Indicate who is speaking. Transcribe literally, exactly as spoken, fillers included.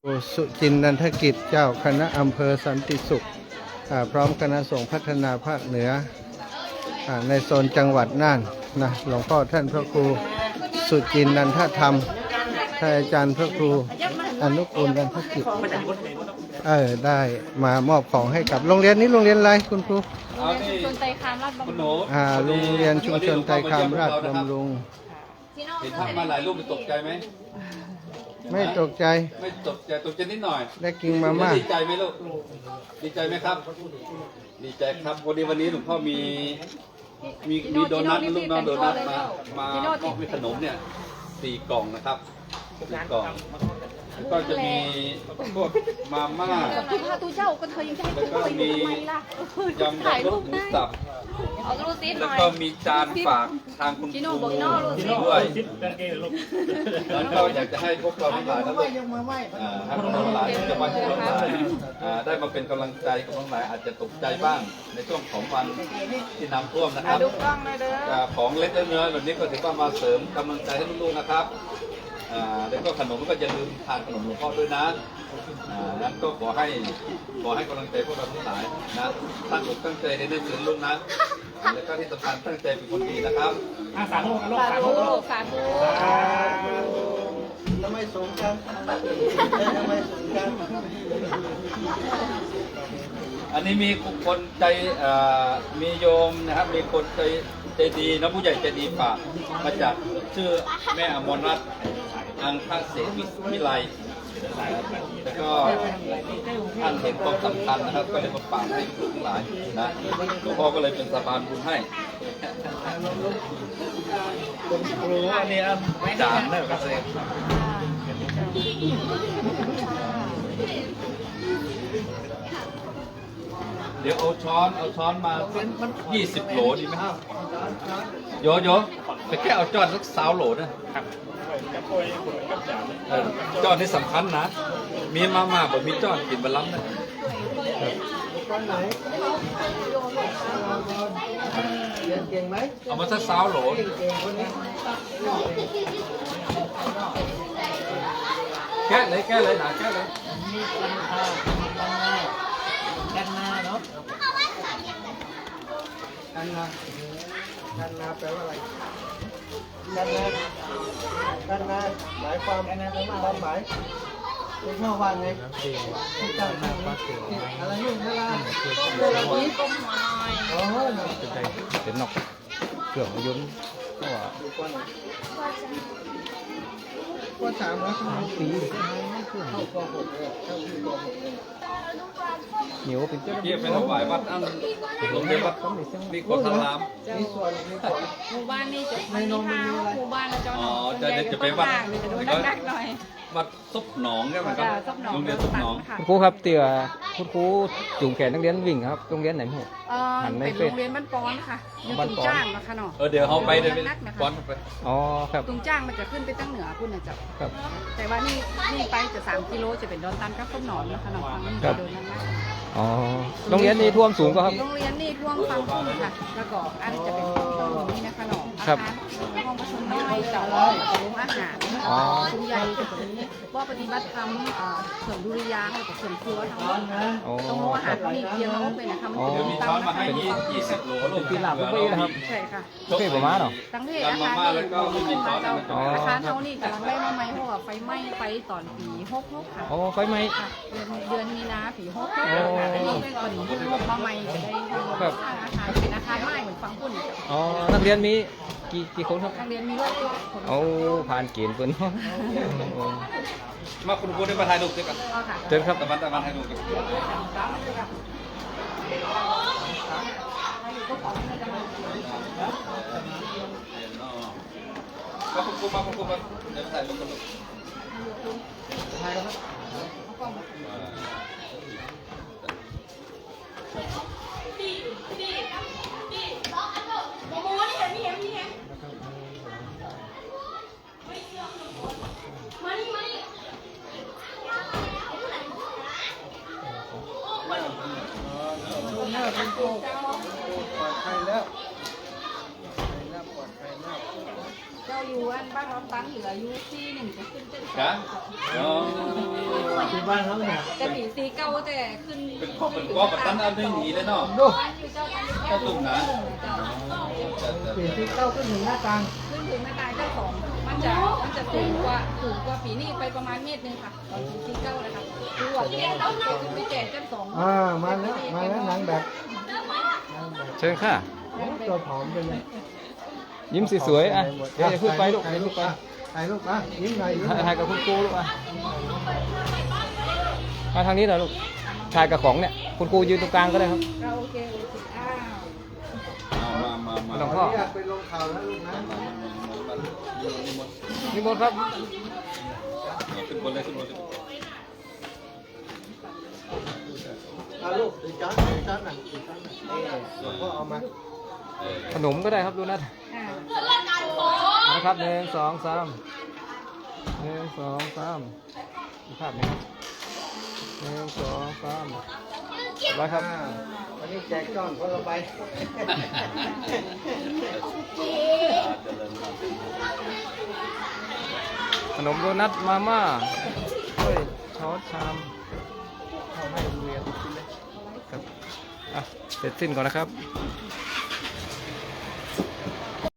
Speaker 1: สุจินนันทกิจเจ้าคณะอำเภอสันติสุขพร้อมคณะสงฆ์พัฒนาภาคเหนือในโซนจังหวัดน่านนะหลวงพ่อท่านพระครูสุจินนันทธรรมท่านอาจารย์พระครูอนุกูลนันทกิจเออได้มามอบของให้กับโรงเรียนนี้โรงเรียนอะไรคุณครู
Speaker 2: ชุมชนไตรคามราชบำรุง
Speaker 1: อ่าโรงเรียนชุมชนไตรคามราชบำรุง
Speaker 3: เห็นภาพมาหลายรูปตกใจไหม
Speaker 1: ไม่ตกใจ
Speaker 3: ไม่ตกใจตกใจนิดหน่อย
Speaker 1: ได้กินมาม่า
Speaker 3: ดีใจไหมลูกดีใจไหมครับดีใจครับวันนี้วันนี้หลวงพ่อมีมีมีโดนัทลูกน้องโดนัทมามาก็มีขนมเนี่ยสี่กล่องนะครับสี่กล่องก็จะมีพวกมาม่า
Speaker 2: แล้ว
Speaker 3: ก็มียำแบบรสหมูสับแล้วก็มีจานฝากทางคุณครูด้วยแล้วก็อยากจะให้พวกเราทั้งหลายทั้งหลายทั้งหลายจะมาช่วยทั้งหลายได้มาเป็นกำลังใจกับทั้งหลายอาจจะตกใจบ้างในช่วงของวันที่น้ำท่วมนะครับของเล็กเนื้อแบบนี้ก็ถือว่ามาเสริมกำลังใจให้ลูกๆนะครับแล้วก็ขนมก็อย่าลืมทานขนมหลวงพ่อด้วยนะนั้นก็ขอให้ขอให้กำลังใจพวกเราทั้งหลายนะตั้งอกตั้งใจในเรื่องนี้ลูกนะแล้วก็ที่สำคัญตั้งใจเป็นคนดีนะครับ
Speaker 2: สาธุสาธุสาธุ
Speaker 1: ทำไมสูงจังทำไมสูงจัง
Speaker 3: อันนี้มีคนใจมีโยมนะครับมีคนใจใจดีนะผู้ใหญ่ใจดีฝากมาจากชื่อแม่อมรรัตน์อังคเสวิวิไลแล้วก็ท่านเห็นความสำคัญนะครับก็เลยมาฝากให้ทุกทั้งหลายนะหลวงพ่อก็เลยเป็นสะพานบุญให้อันนี้จานนั่นก็เสร็จเดี๋ยวเอาช้อนเอาช้อนมายี่สิบโหลดีไหมครับโยโย่ไปแค่เอาจอนสักสาวโหลนะครับจอนที่สำคัญนะมีมาม่าแบบมีจอนกินบะล้ำนะ
Speaker 1: เก่งไหม
Speaker 3: เอามาสักสาวโหลแก้เลยแก้เลยหนาแก้เลย
Speaker 1: กันนาเนาะกันนากันนาแปลว่าอะไรกันนากันนาหมายความความหมายเป็นข้อความไงที่ตั้งชื่ออะไรนู่นเวลาเวลานี้ก้มหัวหน่อยโอ้โหเป็นใจเป็นนกเกี่ยวกับยุ้งก็ว่าก็สามร้อยสามปีเข้าป .หก เลยเข้าปีป .หก เลยเหนียวเป็นเจ้า
Speaker 3: เทียบเป็นถวายวัดอันโรงเรียนวัดมีคนทำน้
Speaker 2: ำหมู่บ้านนี่จะไม่มีทางหมู่บ้านเราจะ
Speaker 3: อ๋อจะจะไปวัด
Speaker 2: จะดูนักๆหน่อย
Speaker 3: วัดซุปหนองใช่ไหมครับโรงเรียนซุปหนอง
Speaker 1: คุณครูครับเตี่ยคุณครูจูงแขนนักเรียนวิ่งครับโรงเรียนไหนหมู่
Speaker 2: หันในเป็นโรงเรียนบ้านปอนค่ะอยู่ตุงจ้างนะคะเนาะ
Speaker 3: เออเดี๋ยวเขาไปเดี๋ยวไปปอนไป
Speaker 1: อ๋อครับ
Speaker 2: ตุงจ้างมันจะขึ้นไปตั้งเหนือคุณนะจ๊ะครับแต่ว่านี่นี่ไปจะสามกิโลจะเป็นดอนตันกับต้นหนอนนะคะเนาะฟังนี่โดนนั่นนะ
Speaker 1: อ๋อโรงเรียนนี่ท่วมสูงก็ครับ
Speaker 2: โรงเรียนนี่ท่วมฟังพุ่งค่ะแล้วก็อันจะเป็นห้องนี้นะคะเนาะอาคารห้องประชุมน้อยเจ้าห้องโรงอาหารคุณใหญ่ตรงนี้ว่าปฏิบัติธรรมเสริมดุริยางค์กับเสริมครัวทั้งหมดตรงโรงอาหารมีเพียงน้องเป็นนะคะมันจะมี
Speaker 3: ตั้งนะคะเป็นยี่สิบโหลลูก
Speaker 1: ที่หลับเพื่อนนะครับ
Speaker 2: ใช่ค่ะ
Speaker 1: เพื่อนประมาณเนาะ
Speaker 2: ตั้งเพศอาคารนี่อาคารเท่านี้กำลังได้มาไหมเพราะว่าไฟไหม้ไฟตอนปีหกหกค่ะ
Speaker 1: โอ้ไฟไหม้
Speaker 2: เดือนเดือนมีนาปีหกหกค่ะนี่เป็นก่อนลูกมาใหม่จะได้แบบอาคารเป็นอาคารไม้เหมือนฟังพุ่น
Speaker 1: อ๋อนักเรียนมีกี่กี่คนครับ
Speaker 2: นักเรียนมีร้อยคน
Speaker 1: โอ้ผ่านเกณฑ์เพิ่น
Speaker 3: มาคุณครูได้มาถ่ายรูปด้วยกัน
Speaker 1: เชิญครับ
Speaker 3: ตะวันตะวันถ่ายรูปกันมาคุณครูมาคุณครูมาเดี๋ยวถ่ายรูปกันถ่ายแล้วครับดีดีดีล็อกอันเถอะโมโมนี่เห็นนี่เห็นนี่เห็นมานี่มานี่
Speaker 1: หน้าเป็นโตปลอดภัยแล้วปลอดภัยแล้ว
Speaker 2: เจ้าอยู่อันบ้านเราตั้งเหลืออยู่ที่หนึ่งจะขึ้นเจ็ด
Speaker 3: จ้ะอ๋อ
Speaker 1: ที่บ้านเขาเนี่ย
Speaker 2: แต่ปีซีเก้าแต่ขึ้น
Speaker 3: เป็นข้อเป็นก้อกับตั้งอันไม่หนีเลยเนาะ
Speaker 1: ดู
Speaker 2: บ้านอยู่เจ้าอันนี้
Speaker 3: ถ้าตุ่มนะ
Speaker 1: ปีที่เก้าก็ถึงหน้าต่าง
Speaker 2: ขึ้นถึงหน้าตายเจ้าของมันจะมันจะสูงกว่าสูงกว่าปีนี้ไปประมาณเมตรหนึงค่ะตอนปีซีเก้าเลยค่ะคือว่าที่เราขึ้นไปแจกเจ้าสอง
Speaker 1: อ่ามาแล้วมาแล้วนางแบบ
Speaker 4: เชิญค่ะ
Speaker 1: ตัวผอมไปเลย
Speaker 4: ยิ้มสวยๆอ่ะเดี๋ยวอย่าพูดไปลูก
Speaker 1: ถ่ายรูปไปถ่ายรูปอ่ะยิ้มหน่อยยิ้มหน่อย
Speaker 4: ถ่ายกับคุณครูลูกอ่ะมาทางนี้หน่อยลูกถ่ายกับของเนี่ยคุณครูยืนตรงกลางก็ได้ครับ
Speaker 2: เราโอเคโอเคอ้าว
Speaker 3: เอามามามา
Speaker 4: หลวง
Speaker 1: ข
Speaker 4: พ่
Speaker 1: อ
Speaker 4: อ
Speaker 1: อนุญาตไปลงข่าวนะลูกนะ
Speaker 4: นิมนต์ครับ
Speaker 3: ขึ้นบนเลยขึ้นบนเลย
Speaker 1: เอาลูกอีกจานอีกจานน่ะอีกจานน่ะเออหลวงพ่อเอามา
Speaker 4: ขนมก็ได้ครับดูนะ
Speaker 2: อ่า
Speaker 4: นะครับหนึ่งสองสามหนึ่งสองสามอีกภาพหนึ่งหนึ่งสองสามไว้ครับ
Speaker 1: อ่าวันนี้แจกจ้อนคนละใบ
Speaker 4: ขนมโดนัทมาม่าถ้วยช้อนชามเอาให้โรงเรียนกินเลยครับอ่ะเสร็จสิ้นก่อนนะครับ